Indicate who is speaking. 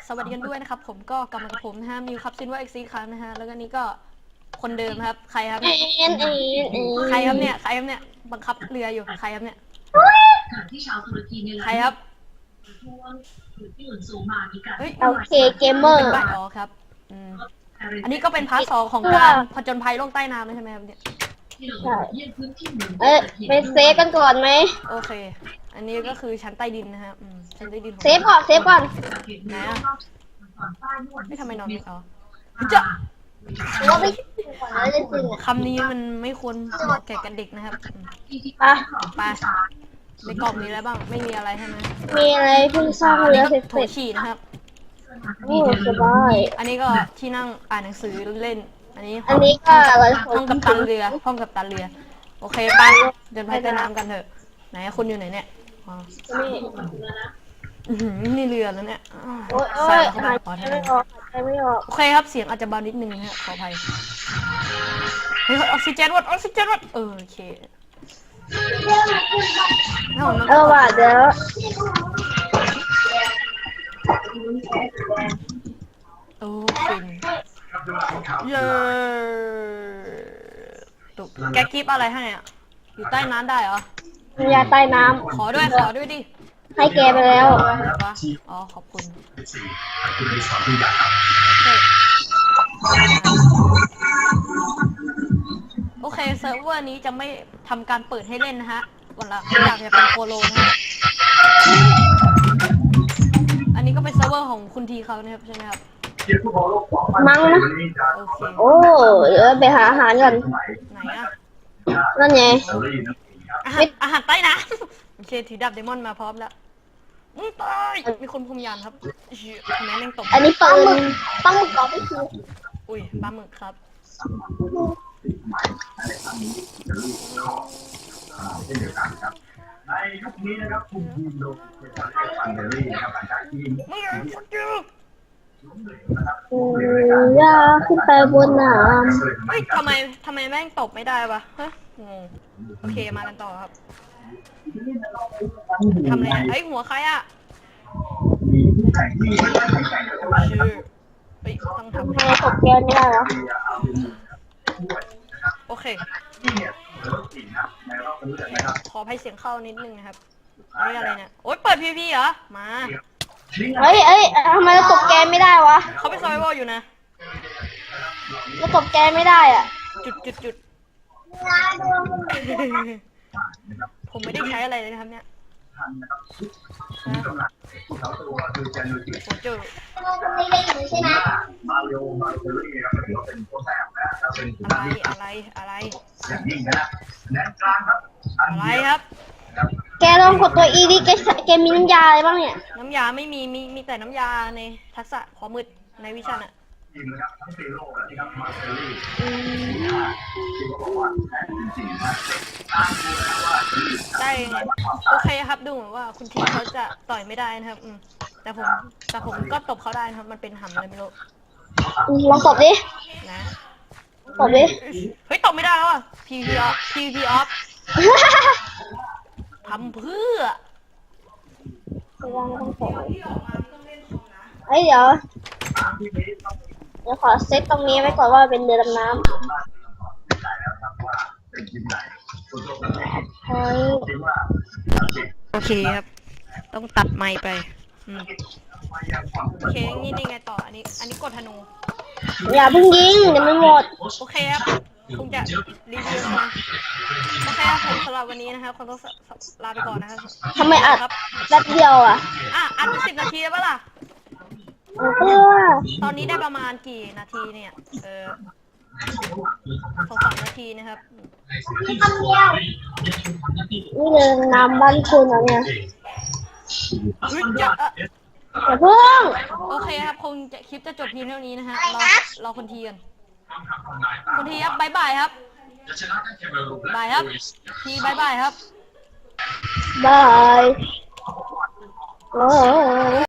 Speaker 1: สวัสดีกันด้วยนะครับผมก็กลับมากับผมนะฮะมิวครับซินว่าเอ็กซีครับนะฮะแล้วก็นี้ก็คนเดิมครับใครครับใครครับเนี่ยบังคับเรืออยู่ใครครับเนี่ยใครครับเฮ้ย
Speaker 2: โอเคเกมเมอ
Speaker 1: เป็
Speaker 2: ร์
Speaker 1: นใบอ๋อครับอันนี้ก็เป็นพาร์ท2ของการผจญภัยโลกใต้น้ำใช่ไหมครับเนี่ย
Speaker 2: ใช่ไปเซฟกันก่อนไหม
Speaker 1: โอเคอันนี้ก็คือชั้นใต้ดินนะฮะชั้นใต้ดินของ
Speaker 2: เซฟก่อน
Speaker 1: ไหนอะไม่ทำไมนอนไม่เอาจะ
Speaker 2: ว่าไปก่อนแล้วจะจริงอ่ะ
Speaker 1: คำนี้มันไม่ควรเหมาะแก่กันเด็กนะครับ
Speaker 2: อ่ะ
Speaker 1: ไปในกล่องมีอะไรบ้างไม่มีอะไรใช่ไหม
Speaker 2: มีอะไรเพิ่งสร้างเรือเสร็จ
Speaker 1: โถฉี่นะครับ
Speaker 2: โอ้สบาย
Speaker 1: อันนี้ก็ที่นั่งอ่านหนังสือเล่นอันนี้
Speaker 2: อันนี้ก็อะไร
Speaker 1: ห้องกัปตันเรือห้องกัปตันเรือโอเคไปเดินไปใต้น้ำกันเถอะไหนคุณอยู่ไหนเนี่ยนี่เรือแล้วเนี่ย
Speaker 2: โอ้ย
Speaker 1: ใส่
Speaker 2: หาย
Speaker 1: เข้า
Speaker 2: ใจ
Speaker 1: ไป
Speaker 2: ไม่ออกหายใจไม่ออก
Speaker 1: โอเคครับเสียงอาจจะเบานิดนึงนะฮะขออภัยเฮ้ยออกซิเจนวัดโอเค
Speaker 2: ว่ะเดี๋ยว
Speaker 1: โอ้ฟินเย้ตุ๊กแกกิฟอะไรให้อ่ะอยู่ใต้น้ำได้เหรอ
Speaker 2: มียาใต้น้
Speaker 1: ขอด้วยดิ
Speaker 2: ำให้แกไปแล้ว
Speaker 1: วะอ๋อขอบคุณโอเคเซิร์ฟเวอร์นี้จะไม่ทำการเปิดให้เล่นนะฮะวันละอยากจะเป็นโคโลนะฮะอันนี้ก็เป็นเซิร์ฟเวอร์ของคุณทีเขานะครับใช่ไหมครับ
Speaker 2: มั้งนะ
Speaker 1: โอเค
Speaker 2: โอ้เดี๋ยวไปหาอาหารก่อน
Speaker 1: ไหนอะ
Speaker 2: นั่นไง
Speaker 1: อาหารใต้น้ำโอเคถือดาบเดมอนมาพร้อมแล้วตายมีคนพรมยานครับทำไมแม่งตก
Speaker 2: อันนี้ปืนต้องมึกก่อนไปคือ
Speaker 1: อุ้ยปลาหมึกครับ
Speaker 3: ในยุคนี้นะครับคุณทีมโลกจะใช้ฟันเดอรี่นะครับหลังจากที่
Speaker 1: มึงฟักยู
Speaker 2: อย่าขึ้นไปบนน้
Speaker 1: เฮ้ยทำไมแม่งตบไม่ได้วะฮะงงโอเคมากันต่อครับทำอะไรเฮ้ยหัวใครอะชื่อเฮ้ยต้อง
Speaker 2: ำ
Speaker 1: ทำ
Speaker 2: ทำไมตกแกนไม่ได้เหรอ
Speaker 1: โอเคขอให้เสียงเข้านิดนึงนะครับนี่อะไรเนี่ยโอ๊ยเปิดพีพีเหรอมา
Speaker 2: เอ้ยทำไมเราตกแกนไม่ได้วะ
Speaker 1: เขาไปซอยวอลอยู่นะ
Speaker 2: เราตกแกนไม่ได้อ่ะ
Speaker 1: จุดผมไม่ได้ใช้อะไรเลยนะครับเนี่ยโอ้เจอ
Speaker 3: มาเร็วมาเดอรี่นะครับถือว่าเป็นตัวแทนนะถ้าเป็น
Speaker 1: อะไร
Speaker 3: อย่างยิ่งนะแนนกลางครับ
Speaker 1: อะไรครับ
Speaker 2: แกลองกดตัว E ดิแกมีน้ำยาอะไรบ้างเนี่ย
Speaker 1: น้ำยาไม่มีแต่น้ำยาในทักษะขอมืดในวิชาน่ะ
Speaker 3: ทีมนะครับทั้งซีโร่และที่ครับมาเดอรี่ที่ก็บอกว่าแทนจริงๆนะตามดูนะว่า
Speaker 1: ได้โอเคครับดูเหมือนว่าคุณทีเขาจะต่อยไม่ได้นะครับแต่ผมก็ตบเขาได้นะครับมันเป็นหำเลยไม่รู้
Speaker 2: ลองตบดิ
Speaker 1: นะ
Speaker 2: ตบดิ
Speaker 1: เฮ้ยตบไม่ได้แล้วอ่ะ PVP off ทำเพื่อ
Speaker 2: เฮ้ยเดี๋ยวขอเซตตรงนี้ไว้ก่อนว่าเป็นเรือดำน้ำเฮ้ย
Speaker 1: โอเคครับ ต้องตัดไมค์ไปโอเคนี่ไงต่ออันนี้กดธนู
Speaker 2: อย่าเพิ่งยิงเดี๋ยวมันหมด
Speaker 1: โอเคครับคงจะรีวิวมาโอเคครับผมสำหรับวันนี้นะครับคงต้องลาไปก่อนนะครับ
Speaker 2: ทำไมอัด
Speaker 1: ครับ
Speaker 2: แป๊บเดียวอ่ะ
Speaker 1: อัดไป10 นาทีแล้วปะล่ะ ตอนนี้ได้ประมาณกี่นาทีเนี่ย2-3 นาทีนะครับ
Speaker 2: นี่เรือดำน้ำบ้านคุณเหรอเนี่ย อย่าเพิ่ง
Speaker 1: โอเคครับคลิปจะจบเพียงเท่านี้นะฮะเราคนทีกันคนทีครับบายบายครับบายครับทีบายบายครับ
Speaker 2: บายโอ้